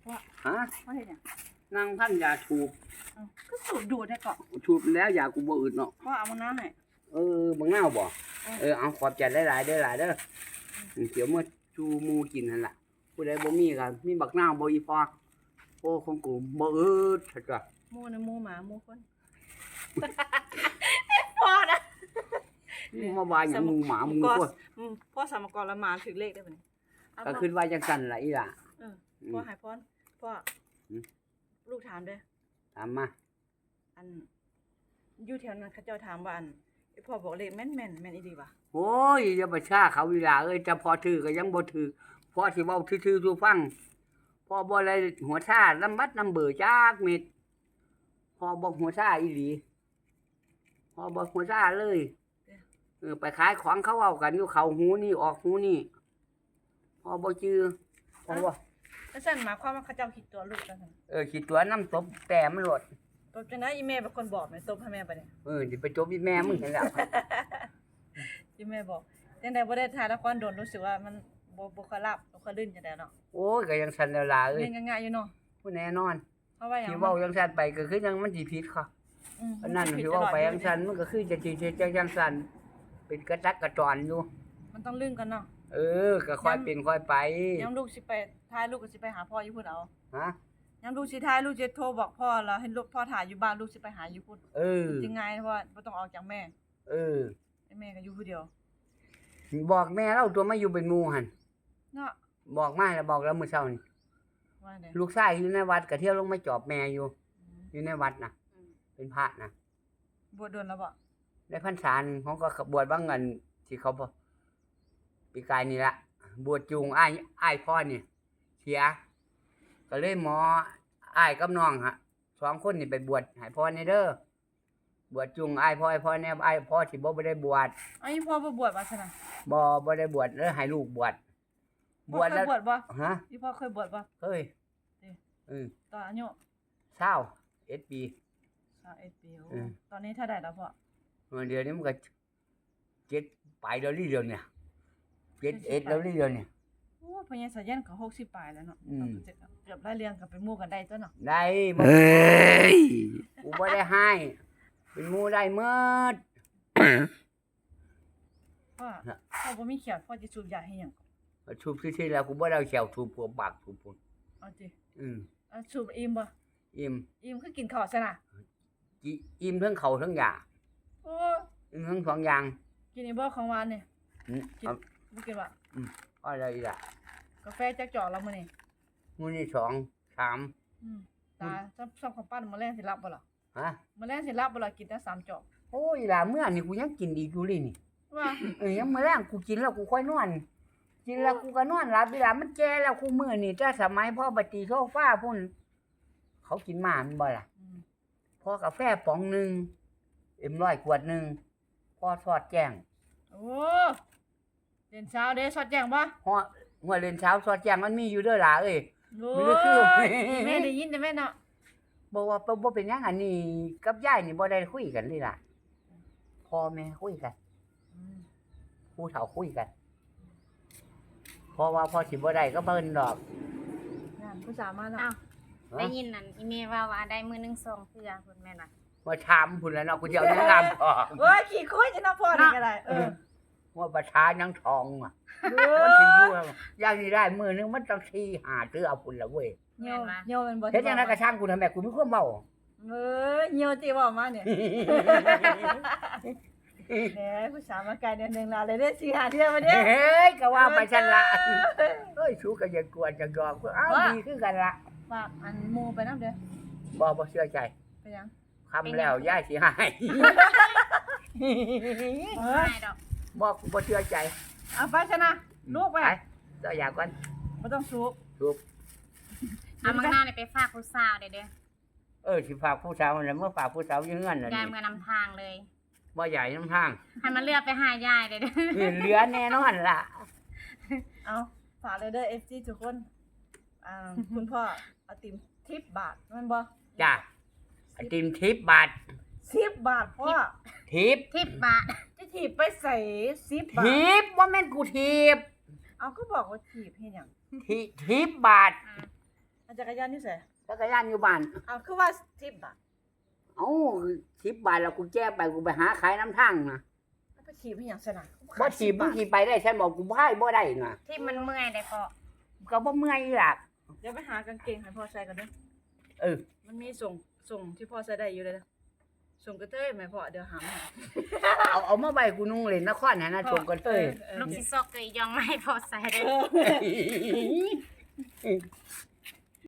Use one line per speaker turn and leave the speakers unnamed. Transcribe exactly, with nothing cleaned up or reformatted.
ว่า
ฮะ
ว่าเห็นยัง
นั่งพันยาถูก
ก็สูบดูดได้เกาะ
ถูกแล้วยากูบ่อึดเนาะ
ว่าเอามาน้าให้
เออบังเน่าบ่เออเอาขอบใจหลายๆเด้อหลายเด้อเดี๋ยวมื้อจูหมู่กินหั่นล่ะผู้ใดบ่มีก็มีบักนาวบ่อีพอโอ้ของกูบ่อึดซะจ้ะ
หมูนะหมูหมาหมูคนพอนะ
มาว่าหยังหมู่หมาหมู่คน
พ่อสามกรละหมาถึงเลขได้บ่นี่
ก็คิดว่าจังซั่นล่ะอีหล่ะ
เออพ่อให้พรพ่อลูกถามเด้อ
ถามมา
อันอยู่แถวนั้นเขาเจ้าถามว่าอันพ่อบอกเลขแม่นๆแม่นอีหลีบ่
โอ้ยอย่าไปชาเขาอีหล่ะเอ้ยแต่พอถือก็ยังบ่ถือพอสิเว้าซื่อๆสู่ฟังพอบ่ได้หัวชาลำบัดลำเบอจักเม็ดพอบ่หัวชาอีหลีพอบ่หัวชาเลยเออไปขายของเขาเอากันอยู่เข้าหูนี่ออกหูนี่พอบ่จื้อพอบ่
แล้วซั่นหมายความว่าเขาเจ้าคิดตัวลูกจังซั่น
เออคิดตัวน้ำตบแต่มันโลด
ตบจังได๋อีแม่เป็นคนบอกแม่ตบให้แม่บ่เนี่ย
เออสิไปจบอีแม่มึงนั่นแหละ
อีแม่บอกจังได๋บ่ได้ถ่ายละครโดนรู้สึกว่ามันบ่บ่ค่อยรับบ่ค่อยลื่นจังได๋เนาะ
โอ้ยก็ยังสั่นแล้วล่ะเอ้ย
เล่นง่ายๆอยู่เนาะ
ผู้แน่นอน
เพราะว่าหยัง
สิเว้าจังซั่นไปก็คือจังมันสิผิดค่ะอันนั้นสิเว้าไปจังซั่นมันก็คือจะสิจังจังซั่นเป็นกระจักกระจรอยู่
มันต้องลื่นกันเนาะ
เออก็ค่อยเป็นค่อยไป
ยามลูกสิไปถ่ายลูกก็สิไปหาพ่ออยู่พุ่นเอา
ฮะ
ยามลูกสิถ่ายลูกจะโทรบอกพ่อแล้วให้ลูกพ่อถ่ายอยู่บ้านลูกสิไปหาอยู่พุ่น
เออ
จริงง่ายเพราะว่าบ่ต้องออกจากแม่
เออ
แม่ก็อยู่ผู้เดียว
บอกแม่เราตัวมาอยู่เป็นหมู่หั่น
เนาะ
บอกมาแล้วบอกแล้วมื้อเช้านี่
ว่าได๋
ลูกชายอยู่ในวัดก็เที่ยวลงมาจอบแม่อยู่อยู่ในวัดน่ะเป็นพระน่ะ
บวชโดนแล้วบ่
ได้พรรษานึงเขาก็บวชบางเงินที่เขาปีกายนี่ละบวชจูงอ้ายอ้ายพ่อนี่เสียก็เลยหมออ้ายกับน้องฮะสองคนนี่ไปบวชให้พ่อนี่เด้อบวชจูงอ้ายพ่ออ้ายพ่อแน่อ้ายพ่อสิบ่ได้บวช
อ้ายพ่อบ่บวชว่าซั่นน่ะ
บ่บ่ได้บวชแล้วให้ลูกบวช
บวชแล้วบวชบ่
ฮะ
อีพ่อเคยบวชบ่
เคยเออ
ตอนอายุ
เศร้าเอ็ดปี
เศร้าเอ็ดปีโอ้ตอนนี้เท่าใดแล้วพ่อ
เดี๋ยวนี้มันก็เจ็ดปลายเดือนนี้เดือนเนี่ยเจ็ดเอ็ดแล้วนี่เดือนเนี่ย
โอ้พญาสายันก็หกสิบปลายแล้วเนาะเกือบได้เรียงกับเป็นหมู่กันได้ตัวเนาะ
ได้เอ้ยกูบ่ได้ให้เป็นหมู่ได้หมด
พ่อพ่อบ่มีเขียวพ่อสิสูบยาให้หยัง
สูบซื่อๆแล้วกูบ่ได้เอาแขวสูบพวกปากสูบพุ่น
เอาจิ
อืม
เอาสูบอิ่มบ่
อิ่ม
อิ่มคือกินข้าวซะน่ะ
อิ่มทั้งข้าวทั้งยา
โอ้
อิ่มทั้งสองอย่าง
กินอีบ่ของหวานนี่
อืม
กินบ่กินบ่
อืมอะไรอีกล่ะ
กาแฟจักจอกแล้วมื้อนี้
มื้อนี้สอง สาม
อืมตาซับซับของปั้นมื้อแลงสิรับบ่ล่ะ
ฮะ
มื้อแลงสิรับบ่ล่ะกินแต่สามจอก
โอ้ยล่ะมื้อนี้กูยังกินอีกอยู่เลยนี่
ว่า
เอ้ยยังมื้อแลงกูกินแล้วกูค่อยนอนกินแล้วกูก็นอนหลับเวลามันแก่แล้วกูมื้อนี่แต่สมัยพ่อบัดตีโซฟาพุ่นเขากินมาแม่นบ่ล่ะพ่อกาแฟป๋องนึงเอ็มร้อยขวดนึงพ่อทอดแจ้ง
โอ้เล่นเช้าเด้สอดแจ้งบ่
ฮอดหัวเล่นเช้าสอดแจ้งมันมีอยู่เด้อล่ะเอ้ย
มีคือแม่ได้ยินแต่แม่เนาะ
บ่ว่าบ่เป็นหยังอันนี้กับยายนี่บ่ได้คุยกันเลยล่ะพ่อแม่คุยกันผู้เฒ่าคุยกันเพราะว่าพ่อสิบ่ได้ก็เบิ่นดอก
นั่นผู้สาวมาแล้ว
อ้าวได้ยินนั่นอีเมว่าว่าได้มื้อนึงสองเทื่อพุ่นแม่นว่า
ว่าถามพุ่นแล้วเนาะกูสิเอายังงามพ่อ
โอ้ยขี้คุยจะเนาะพ่อนี่ก็ได้เออ
ว่าประชายังทองอ่ะมันสิอยู่อย่างนี้ได้มื้อนึงมันต้องสี่ ห้าเทื่อพุ่นละเว้ย
เหี่ยวเหี่ยวมันบ่
เฮ็ดจังได๋ก็ช่างกูทำแม่กูมีความเว้า
เอ้ยเหี่ยวติเว้ามาเนี่ยแหมผู้สาวมาไกลเดือนนึงแล้วเลยได้สี่ ห้าเทื่อมาเด้
เฮ้ยก็ว่าไปซั่นล่ะเฮ้ยสู้ก็อย่ากวนจังดอกเอ้าดีคือกันล่ะ
ฝากอันหมู่ไปนำเด้อ
บ่บ่เชื่อใจ
ไปยัง
คำแล้วยายสิให้
เอ้ยดอก
บ่บ่เชื่อใจ
เอาไปซะนะลูกไป
เจ้าอยากก่อน
บ่ต้องสูบ
สูบ
เอามังนานี่ไปฝากผู้สาวเด้อเด้อ
เออสิฝากผู้สาวนั่นเมื่อฝากผู้สาวอยู่เฮือนน่ะ
ยายมื้อนำทางเลย
บ่ใหญ่นำทาง
ให้มันเลือกไปหายายเด้อเด้อ
เหลือแน่นอนล่ะ
เอาฝากเลยเด้อ เอฟ ซี ทุกคนอ่าคุณพ่อไอติมสิบบาทแม่นบ่
จ้ะไอติมสิบบาท
สิบบาทพ่อ
ทิป
สิบบาท
จะถีบไปใส่สิบบาท
ทิปว่าแม่นกูทิป
เอาก็บอกว่าถีบเฮ็ดหยัง
ทิทิปบาท
ไอจักรยานอยู่ไส
จักรยานอยู่บ้าน
เอาคือว่าสิบบาท
เอ้าสิบบาทแล้วกูแจ้ไปกูไปหาขายน้ำทางนะ
เอาไปขี่ไปหยังซะน่ะ
บ่ถีบมึงขี่ไปได้ฉันบอกกูพายบ่ได้น่ะ
ที่มันเมื่อยได้พอ
ก็บ่เมื่อยหลัก
เดี๋ยวไปหากางเกงให้พ่อใส่กันเด้อ
เออ
มันมีส่งส่งที่พ่อใส่ได้อยู่เลยเด้อส่งกระเทยแม่พ่อเดี๋ยวหามา
เอาเอามาไว้กูนุ่งเล่นนครหั่นน่ะชมกันเต้ย
เออ
ลูกสิซอกเกยยองมาให้พอใส่ได้
เออ